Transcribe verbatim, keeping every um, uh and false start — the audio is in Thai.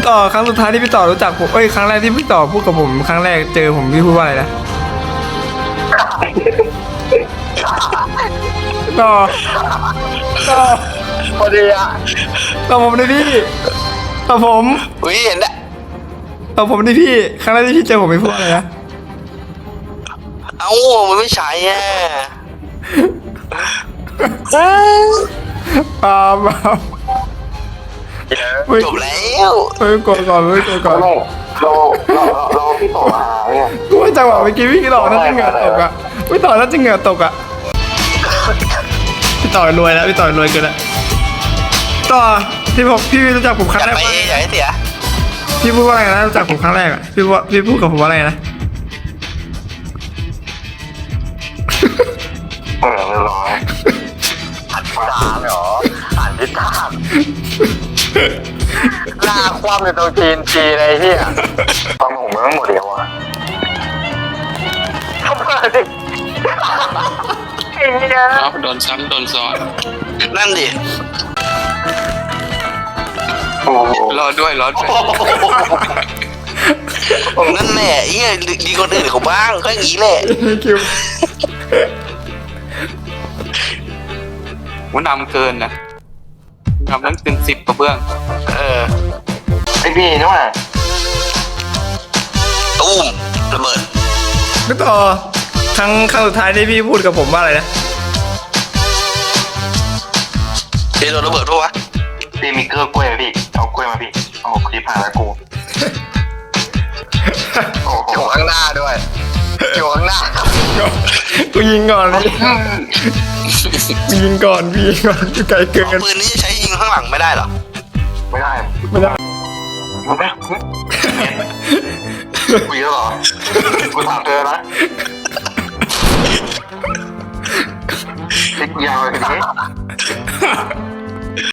ต่อครั้งสุดท้ายที่พี่ต่อรู้จักผมเอ้ยครั้งแรกที่พี่ต่อพูดกับผมครั้งแรกเจอผมพี่พูดว่าอะไรนะต่อต่อพอดีอ่ะต่อผมดิพี่ต่อผมวิเห็นได้ต่อผมดิพี่ครั้งแรกที่พี่เจอผมพี่พูดว่าอะไรนะเอ้ามันไม่ใช่อ่ะปาปาจบแล้วไม่กดก่อนไม่กดก่อนเราเราเราเราพี่ต่อมาเนี่ยกูว่าจังหวะเมื่อกี้พี่ต่อน่าจะเหงื่อตกอ่ะพี่ต่อน่าจะเหงื่อตกอ่ะพี่ต่อรวยแล้วพี่ต่อรวยเกินแล้วต่อที่ผมพี่รู้จักผมครั้อง ยากแรกไปว่าอยากให้เสียพี่พูดว่าอะไรนะรู้จักผมครั้งแรกอ่ะพี่ว่าพี่พูดกับผมว่าอะไรนะเออเรียบร้อยหันตาเหรอหันทิศทางหน้าคว่ำในตรงจีนจีอะไรเฮียตอนผมมันไม่หมดเดียวอ่ะเข้ามาดิไอ้เฮียครับโดนซ้ำโดนซ้อนนั่นดิโอ้โหรอด้วยรอด้วยนั่นแหละเฮียดีคนอื่นเขาบ้างก็อย่างนี้แหละคิวมันนำเกินนะนำตั้งถึงสิบกระเบื้องเออไอพี่นี่ว่าตุ้มระเบิดพี่ต่อครั้งครั้งสุดท้ายที่พี่พูดกับผมว่าอะไรนะเดี๋ยวโดนระเบิดปะวะพี่มีเกลือกล้วยไหมพี่เอากล้วยมาพี่เอาคลิปผ่านแล้วกูโอ้โหอยู่ข้างหน้าด้วยอยู่ข้างหน้ากูยิงก่อนพี่กูยิงก่อนพี่ยิงก่อนไกลเกินปืนนี้จะใช้ยิงข้างหลังไม่ได้เหรอไม่ได้ไม่ได้มึงไม่คุยแล้วเหรอกูถามเธอนะติ๊กยาวเลยทีนี้